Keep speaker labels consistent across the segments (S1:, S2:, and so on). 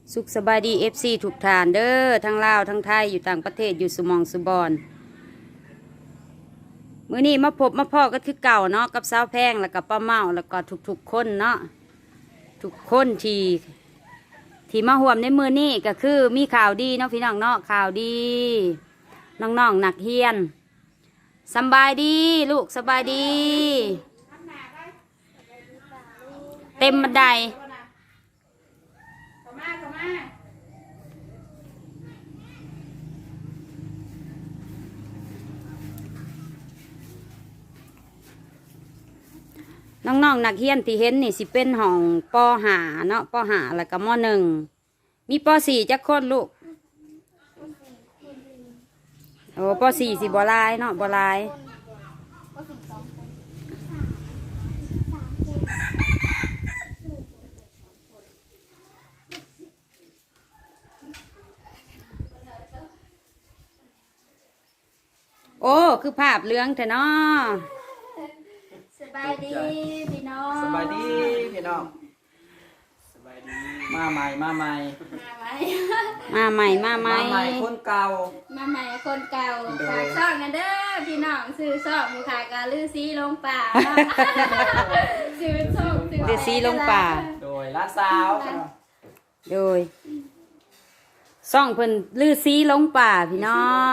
S1: สุขสบายดีFCทุกท่านเด้อทั้งลาวทั้งไทยอยู่ต่างประเทศอยู่สมองสุบอนมื้อนี้มาพบมาพ่อก็คือเก่าเนาะกับสาวแพงแล้วก็ป้าเมาแล้วก็ทุกคนเนาะทุกคนที่มาห่วมในมื้อนี้ก็คือมีข่าวดีเนาะพี่น้องเนาะข่าวดีน้องๆนักเรียนสบายดีลูกสบายดี เต็มบันไดน้องๆนักเรียนที่เห็นนี่สิเป็นห้องป .5 เนาะป .5 แล้วก็ม .1 มีป .4 จักคนลูกโอ้ป .4 สิบ่หลายเนาะบ่หลายโอ้คือภาพเหลืองแต่เนาะ
S2: สบายดีพี่น้อง
S3: สบายดีพี่น้องสบายดีมาใหม่มาใหม่คนเก่า
S2: มาใหม่คนเก่าฝากซ่องกันเด้อพี่น้องซื้อซ่องบุคากาลือซีลงป่าซื้อซ่อง
S1: ลือซีลงป่า
S3: โดยร้านสาว
S1: โดยซ่องเพิ่นลือซีลงป่าพี่น้อง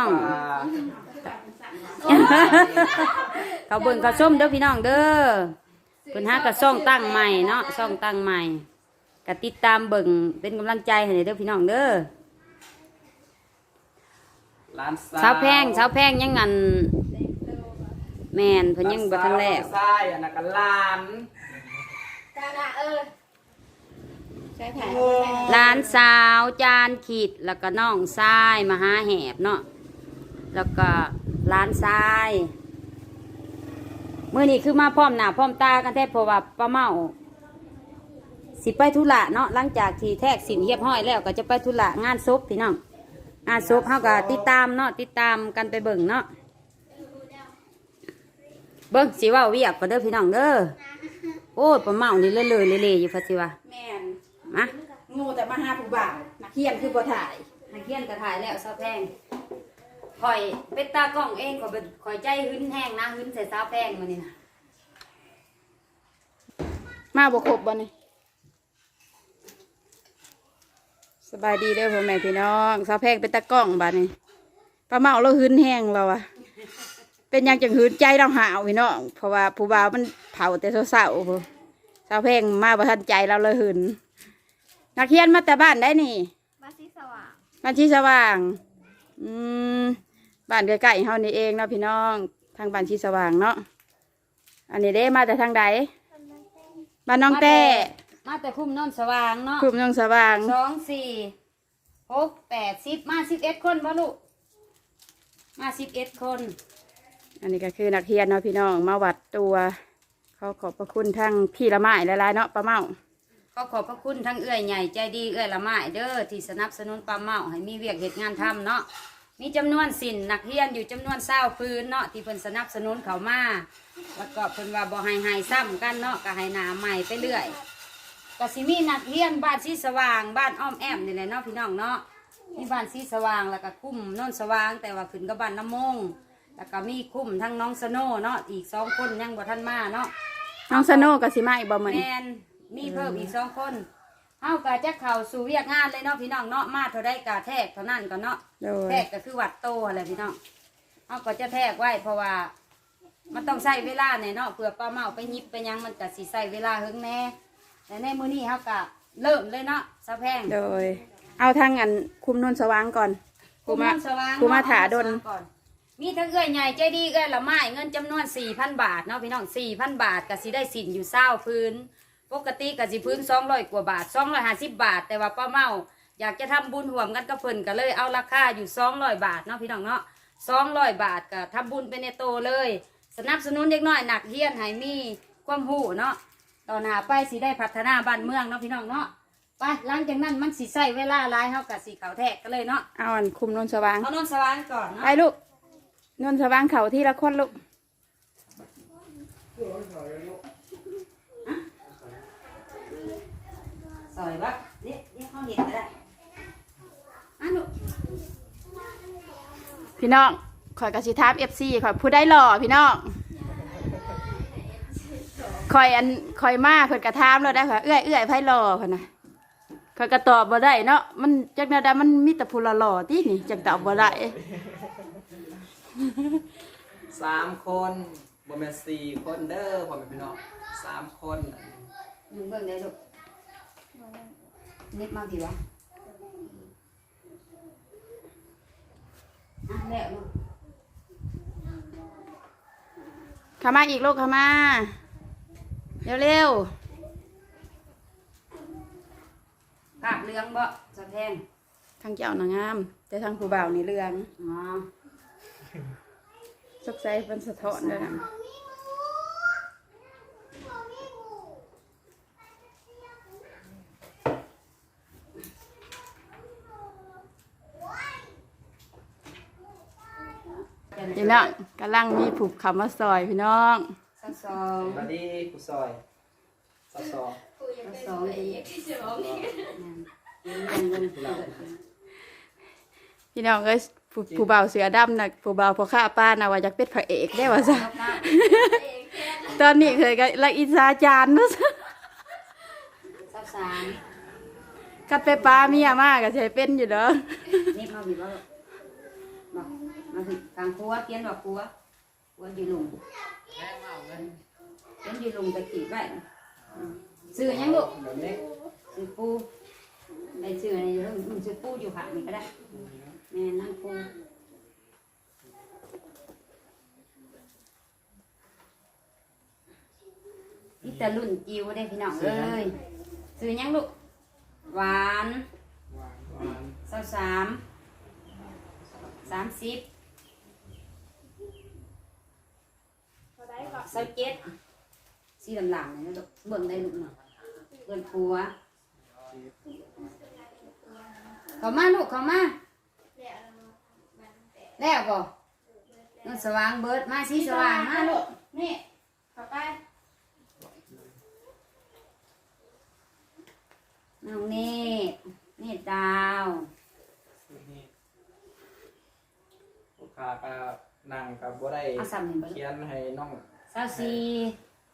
S1: เขาเบิ่งเขาส้มเด้อพี่น้องเด้อเพิ่นหากระซ่องตั้งใหม่เนาะซ่องตั้งใหม่ก็ติดตามเบิ่งเป็นกำลังใจให้เด้อพี่น้องเด้อ
S3: ร้าน
S1: สาวแพงยังงันแม่นเพิ่นยังบ่ทันแล้ว
S3: ใช่อันนั้นก็ร้าน
S2: จ้าน่ะใช่ถ่าย
S1: ร้านสาวจานขีดแล้วก็น้องทรายมหาแหบเนาะแล้วก็ร้านทรายมื้อนี้คือมาพร้อมหน้าพร้อมตากันแท้เพราะว่าป้าเมาสิไปธุระเนาะหลังจากที่แทกสินเรียบร้อยแล้วก็จะไปธุระงานศพพี่น้องงานศพเฮาก็ติดตามเนาะติดตามกันไปเบิ่งเนาะเบิ่งสิว่าเวียกก็เด้อพี่น้องเด้อโอ้ยป้าเมานี่เลยอยู่พัดสิว่า
S2: แม่น
S1: มา
S2: งูแต่มาหาผู้บ่าวนักเขียนคือบ่ถ่าย
S1: นักเขียนก็ถ่ายแล้วสาวแพงคอยเป็นตากล้องเองก็เป็นคอยใจหึ้นแห้งนะหึ้นใส่สาวแพงมานี่นะ
S2: มาบ่ครบบ่นี่
S1: สบายดีเด้อพ่อแม่พี่น้องสาวแพงเป็นตากล้องบัดนี้ป้าเมาเราหึ้นแห้งเราอะเป็นยังจังหึ้นใจเราหาวพี่น้องเพราะว่าผู้บ่าวมันเผาแต่เศร้าๆสาวแพงมาบ่ทันใจเราเลยหึ้นนักเขียนมาแต่บ้านได้นี่
S2: บ้านที่สว่าง
S1: บ้านที่สว่างบ้านใกล้ๆเฮานี่เองเนาะพี่น้องทางบ้านที่สว่างเนาะอันนี้เด้มาแต่ทางใดบ้านน้องแต้มาแต่คุ้มนนสว่างเนาะคุ้มนนสว่าง2 4 6 8 10มา11คนบ่ลูกมา11คนอันนี้ก็คือนักเรียนเนาะพี่น้องมาวัดตัวเขาขอบพระคุณทั้งพี่ละไม้หลายๆเนาะป้าเมาก็ขอบพระคุณทั้งเอื้อยใหญ่ใจดีเอื้อยละไม้เด้อที่สนับสนุนป้าเมาให้มีเวียกเหตุงานทำเนาะมีจำนวนสินนักเรียนอยู่จำนวน20พื้นเนาะที่เพิ่นสนับสนุนเขามาแล้วก็เพิ่นว่าบ่ให้ซ้ำกันเนาะก็ให้หนาใหม่ไปเรื่อยก็สิมีนักเรียนบ้านสีสว่างบ้านอ้อมแอมนี่แหละเนาะพี่น้องเนาะมีบ้านสีสว่างแล้วก็คุ้มโน่นสว่างแต่ว่าขึ้นกับบ้านน้ำมงแล้วก็มีคุ้มทั้งน้องสโน่เนาะอีก2คนยังบ่ทันมาเนาะ
S2: น้องสโน่ก็สิมาอีกบ่มื้อนี้
S1: แม่นมีเพิ่มอีก2คนเฮาก็จะเข้าสู่เวียกงานเลยเนาะพี่น้องเนาะมาเท่าใดก็แทกเท่านั้นก็เนาะแทกก็คือวัดโตอะไรพี่น้องเฮาก็จะแทกไว้เพราะว่ามันต้องใช้เวลาเนี่ยเนาะเผื่อป้าเมาไปยิบไปยังมันก็สิใช้เวลาเฮิงแน่แต่ในมื้อนี้เฮาก็เริ่มเลยเนาะสะแพง
S2: โดยเอาทางอันคุมนนสว่างก่อน
S1: คุมาถาดนก่อนมีทั้งเอื้อยใหญ่ใจดีเอื้อยละไม้เงินจำนวน 4,000 บาทเนาะพี่น้อง 4,000 บาทก็สิได้สินอยู่20พื้นปกติก็สิพื้น200กว่าบาท250 บาทแต่ว่าป้าเมาอยากจะทำบุญร่วมกันกับเพิ่นก็เลยเอาราคาอยู่200บาทเนาะพี่น้องเนาะ200บาทก็ทำบุญไปในโตเลยสนับสนุนเด็กน้อยหนักเรียนให้มีความรู้เนาะต่อหน้าไปสิได้พัฒนาบ้านเมืองเนาะพี่น้องเนาะไปหลังจากนั้นมันสิใช้เวลาหลายเฮาก็สิเข้าแทกกันเลยเนาะ
S2: เอาอันคุมนนสว่าง
S1: เอานนสว่างก่อนเนาะ
S2: ไปลูกนนสว่างเขาที่ละคนลูก
S1: สอยปะเนี่ยเขาเห็นก็ได้พี่น้องข่อยกสิถาม FC ข่อยผู้ได้หล่อพี่น้องข่อยมาเพิ่นกระถามแล้วได้ค่ะเอื้อยไผหล่อเพิ่นน่ะข่อยก็ตอบบ่ได้เนาะมันจักแนวใดมันมีแต่ผู้หล่อๆตินี่จักตอบบ่ได้
S3: 3 คนบ่แม่น4 คนเด้อพ่อแม่พี่น้อง3 คน
S2: มึงเบิ่งได้ลูกเน็บมากี่วะอ่ะแล้วลูก
S1: เข้ามาอีกลูกเข้ามาเร็ว
S2: ภาพเรื่องบ่สะแพง
S1: ๆทางเจ้านางงามแต่ทางผู้บ่าวนี่เรื่อง
S2: อ๋อ
S1: สกใสเป็นสะท้อนด้วยนะพี่น้องกำลังมีผูกคำว่าซอยพี่น้อง
S2: สักสอง
S3: สวัสดีผู้ซอยสักสอง
S2: สักสองอีก
S1: พี่น้องเอ้ยผู้บ่าวเสือดำนะผู้บ่าวพอข้าป้านะว่าอยากเป็นพระเอกได้ว่าซะตอนนี้เคยกับละอินซาจานนะ
S2: สักสาม
S1: กัดไปป้าเมียมากก็ใช้เป็นอยู่เด้อ
S2: นี่มาผิดว่าบอกมาผิดกลางครัวเพี้ยนบอกครัวอยู่ลุงเพี้ยนอยู่ลุงไปติดไว้ซื้อยังลูก
S3: แบบนี้
S2: ซื้อปูไอ้ซื้ออะไรซื้อปูอยู่ผักนี่ก็ได้แม่นั่งปูนี่แต่รุ่นจิ๋วได้พี่น้องเอ้ยซื้อยังลูกหวาน
S3: หวาน
S2: 30 27สีดำๆนี่นะลูกเบิ่งได้ลูกเนาะเบิ่งผัวเข้ามาลูกเข้ามาแล้วบ่น้องสว่างเบิดมาสีสว่างมาลูกนี่เข้าไปน้องนี่ดาว
S3: นี่ลูกค้าก็นั่งกับบ่ได้
S2: เอาซ้ำนี่บ่
S3: เขียนให้น้อง
S2: 24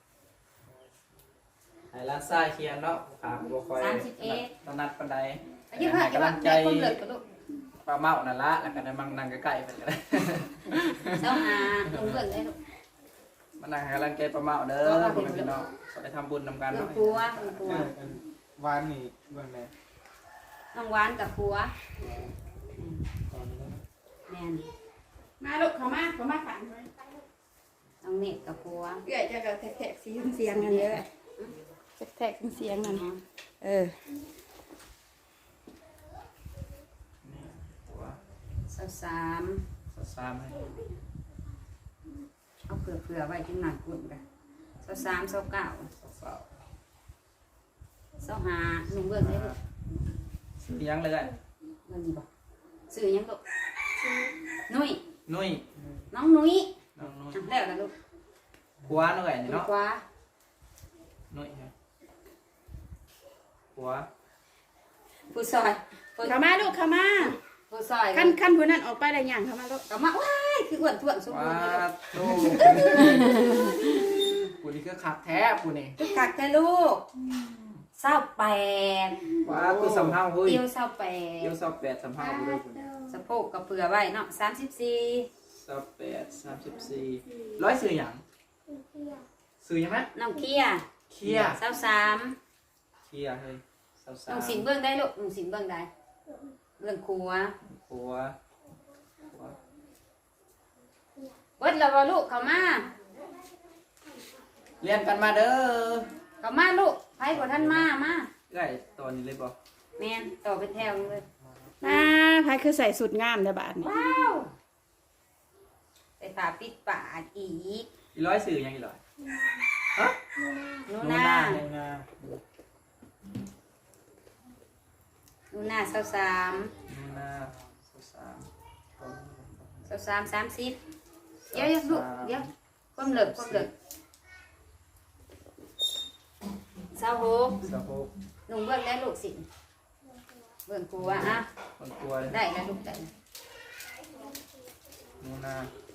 S3: ให้ร้านซ่ายเขียนเนาะลูกค้าบ่ค่อย
S2: 31
S3: ถนัดปานใด
S2: อายุเท่าไหร่
S3: กำลังใจ
S2: คนเลิกกับลูก
S3: ปลาเมานั่นละแล้วก็ได้มานั่งใกล้ๆเพิ่นก็ได้
S2: เจ้าหาลงเบิ่งได้ลูก
S3: มานั่งให้กำลังใจปลาเมาเด้อพ่อแม่พี่น้องก็ได้ทำบุญนำกัน
S2: เบิ่ง
S3: เนาะ
S2: ผัวเบิ่งผัว
S4: วานนี่เบื้องไหน
S2: น้องหวานกับผัว
S4: ตอนนี้
S2: แม่น
S1: มาลูกเข้ามาขัน
S2: น้องเน็ตกับผัว
S1: เอื้อยจะกับแทกๆเสียงกันเยอะแทกๆเสียงนั่นเออ
S3: ตัว
S2: 23
S3: 3ให้
S2: เอาเผื่อไว้จังหนักกุ่นกัน23 29
S3: สาว
S2: 25นุ่งเบิ่งได้ลูก
S3: ซื้อยังเลย
S2: เบิ่งนี่บ่ซื้อหยังลูกนุ้ย
S3: นุ้ย
S2: น้องนุ้ย
S3: น้องนุ้ย
S2: อ่ะแล้วล่ะลูก
S3: ผัวหน่อย
S2: ลูก
S3: เนาะ
S2: กว่า
S3: นุ้ยครับผัว
S2: ผู้ซอยผู้
S1: เข้ามาลูกเข้ามา
S2: ผู้ซอย
S1: ขั้นผู้นั้นออกไปได้ยังเข้ามาลูก
S2: ก็มาว้ายคืออ้วนท้วนสมบู
S3: ว้าร
S2: ณ์เลยลูก
S3: โตผู้นี้คือขับแท้ผู้นี้
S2: คือกักแต่ลูก28
S3: ว้าคือสำเภาเฮ้ย
S2: เอว
S3: เดี๋ยว
S2: 28
S3: สอบแปดสำเภาผู้ด้วยผู้นี้
S2: สะโพกกับเปลือไว้เนาะ34
S3: สอบแปด34ร้อยซื้อหยังซื้อหยังไหม
S2: น้องเคีย
S3: เคีย
S2: 23
S3: เคียเฮ้ยสาว
S2: น้องสินเบิ่งได้ลูกน้องสินเบิ่งได้เรื่องครัว
S3: ผัว
S2: เบิดแล้วบ่ลูกเข้ามา
S3: เรียนกันมาเด้อ
S2: เข้ามาลูกไผบ่ทันมามา
S3: เอ้ยตอนนี้เลยบ่
S2: แม่นต่อเป็นแถวเลย
S1: มาพายคือใส่สุดงามแต่บาทนี่
S2: ว้าวใส่ฝาปิดปากอีก
S3: อีร้อยซื้อหยังอีร้อยฮะ
S2: นู
S3: หนู
S2: นา
S3: หนูนา
S2: นูนา23
S3: หนูนา
S2: 30เดี๋ยวลูกเดี๋ยวความเลิก26
S3: สาวก
S2: นุ่งเบิ่งได้ลูกสิเบิ่งครัวอ่ะ
S3: คนกลัว
S2: ได้แล้วลูกได้
S3: หนูนา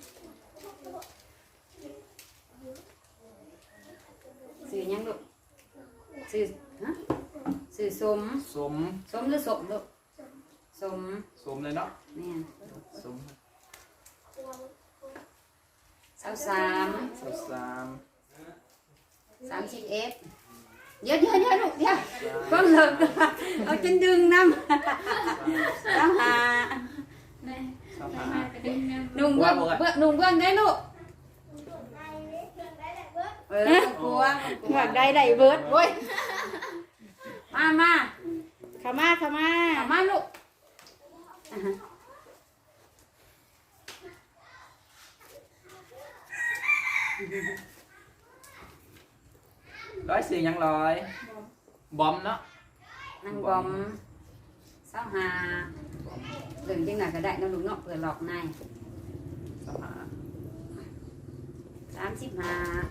S5: สื่อยังลูกสื่อฮะสื่อสม
S3: สม
S5: สมหรือสมลูกสม
S3: สมเลยเนาะ
S5: แม่น
S3: สม
S5: 23
S3: 33
S5: 31เดี๋ยวลูกเดี๋ยวเพิ่งเลิกเอาจนดึงน้ำต้องหา
S2: แม่
S3: สาม
S2: แม่
S3: หา
S2: ไปดึงน้ำ
S5: นุ่งเบื้องนุ่งเบื้องได้ลูกกลัว
S1: หวังได้ได้เบิดโว้ย
S5: มา
S1: ขามา
S5: เอามาลูก
S3: ร้อยสื่อยังร้อยบอมเนาะ
S5: นางบอมเศร้าหาเรื่องจังไหนก็ได้น้องลูกเนาะเปิดหลอกใน
S3: สามหา
S5: 35
S3: 35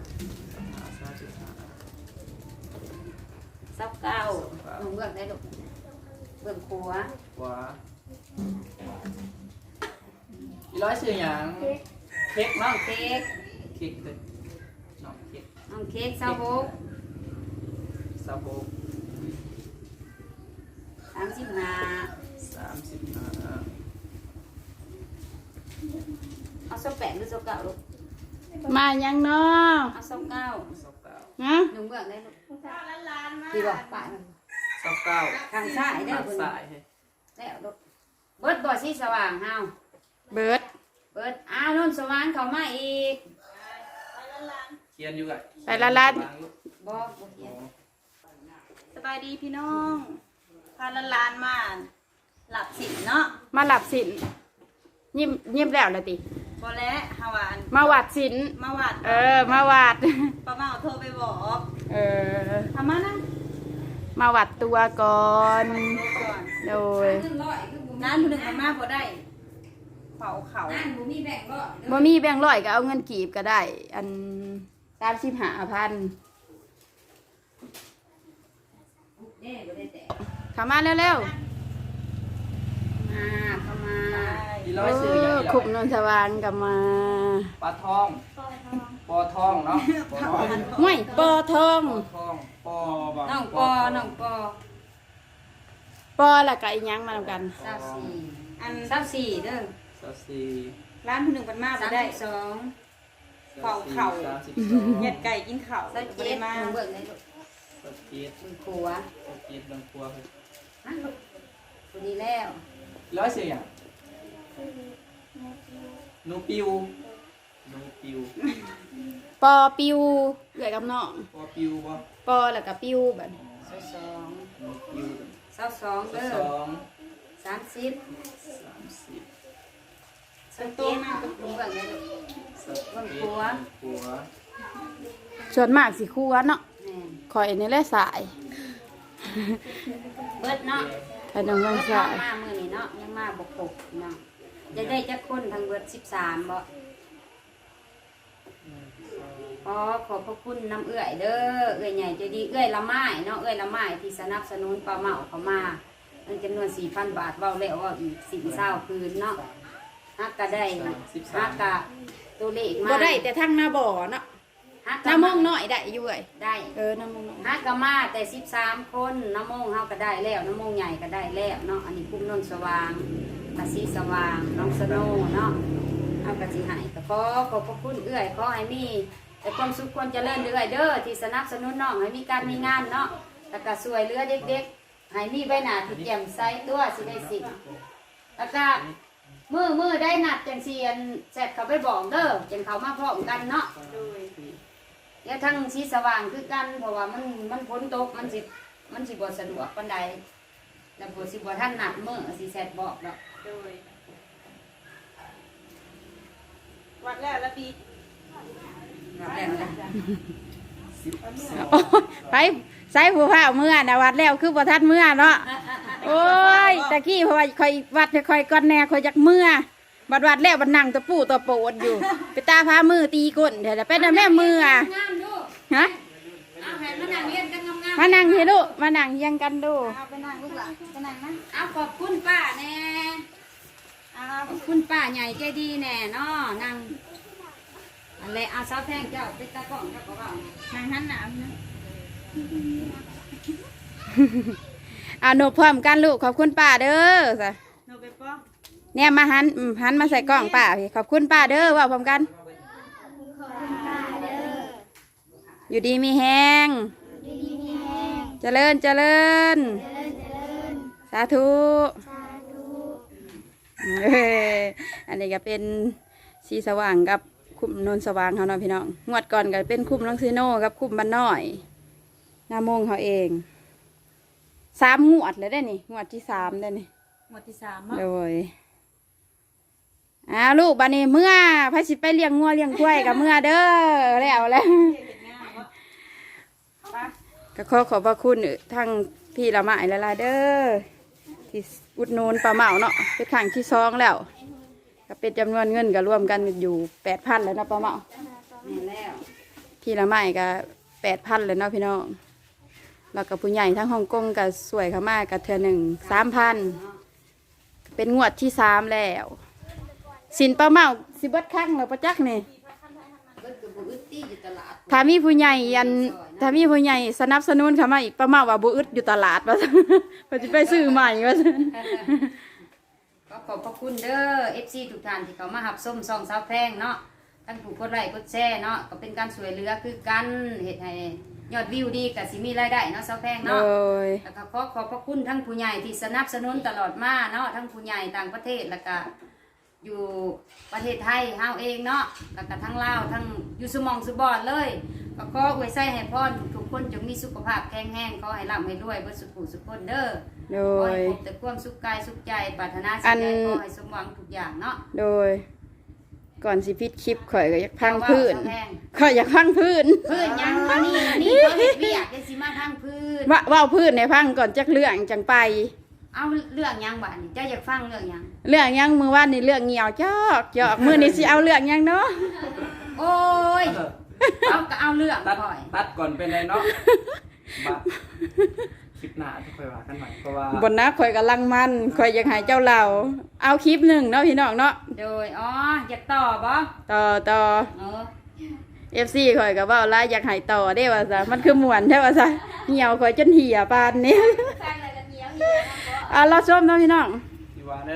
S5: 29นุ่งเบื้องได้ลูกเบื้องครัว
S3: กว่าอีร้อยสื่อยังเค้ก
S5: น้อ
S3: เนาะ
S5: งเค้ก
S3: เค้กเลยน้องเค้ก
S5: น้องเค้กเศร้าโบก
S3: ซาโบ
S5: 35
S3: 35
S5: เอาโซแปดหรือโซเก้าลูก
S1: มายังเนาะ
S5: เอาโซเก้า
S3: 29
S1: ฮะ
S5: นุ่งเบื้องได้ลูกที่บอกป่ามัน
S3: 29
S5: ทางซ้ายได้
S3: ทาง
S5: คน
S3: ซ้ายเฮ้ย
S5: แล้วลูกเบิดบ่อสีสว่างเฮา
S1: เบิด
S5: เบิดอ้าวนุ่นสว่างเข้ามาอีก
S3: เขียนอยู่ไง
S1: ไปละลัด
S5: บ่เขียน
S6: สบายดีพี่น้องพาลานมาหลับสินเนาะ
S1: มาหลับสินยิ้มแล้วละติ
S6: บอแล้วฮาวาน
S1: มาวัดสิน
S6: มาวัด
S1: มาวัด
S6: ป้าเมาโทรไปบอก ทำมานะ
S1: มาวัดตัวก่อน
S6: โทรก่อน
S1: โดย
S5: ขึ้นร้อยคือบ่
S6: งานผู้หนึ่งมาพอได้เผาเขา
S5: นั่นบ่มีแบ่งร้อย
S1: บ่มีแบงค์ร้อยก็เอาเงินกีบก็ได้ อัน35,000
S5: เด้บ่ได้แต่
S1: เข้ามาเร็ว
S5: มาเข้ามา
S3: อี
S1: ๆ
S3: ร้อยสื่อยังอี
S1: ขุม
S3: ร้อย
S1: นนสว่างกับมา
S3: ปลาทองปอทองเนาะปอทอง
S1: ห้วยปอทอง
S3: ปอทองปอบ่
S5: น้องปอน้องปอ
S1: ปอแล้วก็อีหยังมานำกัน
S5: 24
S6: อัน
S5: 24เด้อ
S3: 34
S6: ร้านผู้หนึ่งเป็นมาพอได้
S5: 32
S6: เผาเข่า
S3: 32
S6: เห็ดไก่กินเข่า
S5: ใส่
S6: บ่
S5: เจ็
S6: ได้
S5: ด
S6: มา
S5: นุ่งเบิ่งได้ลูก
S3: 37
S5: เบิ่งครัว
S3: 37ลงครัวเฮ้ย
S5: ฮะลูกพอดีแล้ว
S3: ร้อยสื่อยังนูปิวนูปิว
S1: ปอปิวเอื้อยกับน้อง
S3: ปอปิวบ่
S1: ปอแล้วก็ปิวบัดนี้
S5: 22
S3: นูปิว
S5: 22เด้อ
S3: 2
S5: 30
S3: 30
S5: เป็นตัวมากเป็นตัวแบบนี้ลูก
S3: 31
S5: ครัว
S3: ครัว
S1: ส่วนมากสิครัวเนาะ
S5: แม่น
S1: ข่อยนี่แหละสาย
S5: เบิดเนาะ
S1: ถ้าน้อง
S5: เบิ
S1: บาง
S5: ด
S1: สา
S5: เนาะ
S1: ย
S5: มามื้อนี้เนาะยังมาบ่ครบเนาะจะได้จักคนทั้งเบิด13บ่ขอบพระคุณน้ำเอื้อยเด้อเอื้อยใหญ่ใจดีเอื้อยละไม้เนาะเอื้อยละไม้ที่สนับสนุนปลาเมาเข้ามาเงินจำนวน 4,000 บาทเว้าแล้วว่าอีก10-20คืนเนาะฮักก็ได้ฮักก็ตัวเลขมา
S1: บ่ได้แต่ทั้งหน้าบ่อเนาะ
S5: ฮัก
S1: ห
S5: ก็
S1: น้ามองน้อยได้อยู่เอ้ย
S5: ได้
S1: น้ามองน้อย
S5: ฮักก็มาแต่13คนน้ำมงเฮาก็ได้แล้วน้ำมงใหญ่ก็ได้แล้วเนาะอันนี้คุ้มนนสว่างกะสีสว่างน้องสโนเนาะเอากะสิให้ก็ขอบพระคุณเอื้อยขอให้มีแต่ความสุขความเจริญเอื้อยเด้อที่สนับสนุนน้องให้มีการมีงานเนาะแล้วก็ช่วยเหลือเด็กๆให้มีใบหน้าที่แจ่มใสตัวสิได้สิแล้วก็มือได้นัดจังเซียนเสร็จเขาไปบอกเด้อจังเขามาพร้อมกันเนาะ
S6: โดย
S5: เดี๋ยวทั้งสีสว่างคือกันเพราะว่ามันฝนตกมันสิบ่สะดวกปานใดแล้วบ่สิบ่ทันนัดมื้อสิแซดบอกดอก
S6: โดยวัดแล้วละปี
S5: รับแล้วนะ
S1: ไปใส่ผู้ผ้าเมื่อนะวัดแล้วคือบ่ทันเมื่อเนาะโอ้ยตะกี้เพราะว่าค่อยวัดค่อยก่อนแน่ค่อยจักเมื่อบัดวัดแล้วบัดนั่งตะปูตะโปดอยู่ ไปตาพามือตีก้นเดี๋ยวจะเป็นแม่มืออ่ะ
S5: งามดู
S1: ฮะ
S5: เอาให้มานั่งเรียนกันงาม
S1: มานั่งให้ลูกมานั่งเฮียังกันดู
S5: ๆเอาไปนั่งลูกหล่ะไปนั่งนะเอาขอบคุณป้าแน่
S6: อ้าว
S5: ขอบคุณป้าใหญ่ใจดีแน่เนาะนั่งอะไรเอาสาวแพงเจ้าไปตะกล้องเจ้าก็ว่าไง
S6: นางหันหนาวนะ
S1: เอาหนูพร้อมกันลูกขอบคุณป้าเด้อจ้ะ
S6: โนไปป้อง
S1: เนี่ยมาหันมาใส่กล้องป้าพี่ขอบคุณป้าเด้อว่าพร้อมกัน อยู่ดีมีแห้งเจริญเจริญสาธุเอ้ยอันนี้ก็เป็นสีสว่างกับคุมนนสว่างเขาเนาะพี่น้องงวดก่อนก็เป็นคุมน้องซีโน่กับคุมบ้านน้อยหน้าโมงเขาเอง3 งวดเลยได้นี่งวดที่3ได้นี่
S6: หมดที่3เนาะ
S1: โดยลูกบัดนี้เมื่อพระสิไปเลี้ยงงัวเลี้ยงกล้วยกับเมื่อเด้อแล้วก็ขอบพระคุณทั้งพี่ละไม้ละลายเด้อที่อุดหนุนปลาเมาเนาะเป็นครั้งที่2แล้วก็เป็นจำนวนเงินก็รวมกันอยู่ 8,000แล้วเนาะปลาเมา
S5: แม่แล้ว
S1: พี่ละไม้ก็ 8,000เลยเนาะพี่น้องแล้วก็ผู้ใหญ่ทั้งฮ่องกงก็สวยเขามากกับเธอ1 3,000เป็นงวดที่3แล้วสินปลาเมาสิเบิดครั้งแล้วประจักษ์นี่
S5: เบิดกับบุอึดตี้อยู่ตลาด
S1: ถ้ามีผู้ใหญ่ถ้ามีผู้ใหญ่สนับสนุนเข้ามาอีกปลาเมาว่าบ่อึดอยู่ตลาดว่าซั่น เพิ่นสิไปซื้อใหม่ว่าซั่น
S5: ก็ขอบพระคุณเด้อ FC ทุกท่านที่เขามาหับส้มซองสาวแพงเนาะท่านผู้กดไลค์กดแชร์เนาะก็เป็นการช่วยเหลือคือกันเฮ็ดให้ยอดวิวดีก็สิมีรายได้เนาะสาวแพง
S1: โด
S5: เนาะ
S1: ย
S5: แล้วก็ขอบพระคุณทั้งผู้ใหญ่ที่สนับสนุนตลอดมาเนาะทั้งผู้ใหญ่ต่างประเทศแล้วก็อยู่ประเทศไทยเฮาเองเนาะแล้วก็ทั้งลาวทั้งอยู่สมองสุบอดเลยก็ขออวยไส้ให้พรทุกคนจงมีสุขภาพแข็งแรงขอให้ร่ำให้รวยเบิดสุขสุขคนเด้อ
S1: โด
S5: ขอให้
S1: ย
S5: พบแต่ความสุขกายสุขใจปรารถนาสิ่งใดขอให้สมหวังทุกอย่างเนาะ
S1: โดย ก่อนสิปิดคลิปข่อยก็อยากพังพื้น
S5: สาวแพง
S1: ข่อยอยากพังพื้น
S5: พื้นยังมานี่เขาเฮ็ดเวียกจังสิมาทางพื้น
S1: ว่าพื้นให้พังก่อนจักเรื่องจังไป
S5: เอาเรื่องยังบัดนี้เจ้าอยากฟังเรื่องยัง
S1: เรื่องหยังมื้อวานนี่เรื่องเหี่ยวจอกมื้อนี้สิเอาเรื่องหยังเนาะ
S5: โอ้ยเอาก็เอาเรื่อง
S3: ตัด
S5: ข่อย
S3: ตัดก่อนเป็นไรเนาะบัดคลิปหน้าที่ค่อยว่ากันใหม่เพราะว่า
S1: บนนะข่อยกำลังมันข่อยอยากให้เจ้าเราเอาคลิปหนึ่งเนาะพี่น้องเนาะ
S5: โดยอ๋ออยากต่อบ่
S1: ต่อ
S5: เออ
S1: FC ข่อยก็เว้าหลายอยากให้ต่อเด้ว่าซะมันคือม่วนแท้ว่าซะเหี่ยวข่อยจนเหี่ยปานนี้
S2: ฟังอะไรกันเนี้ย
S1: เราชมเนาะพี่น้อง
S3: ที่ว่า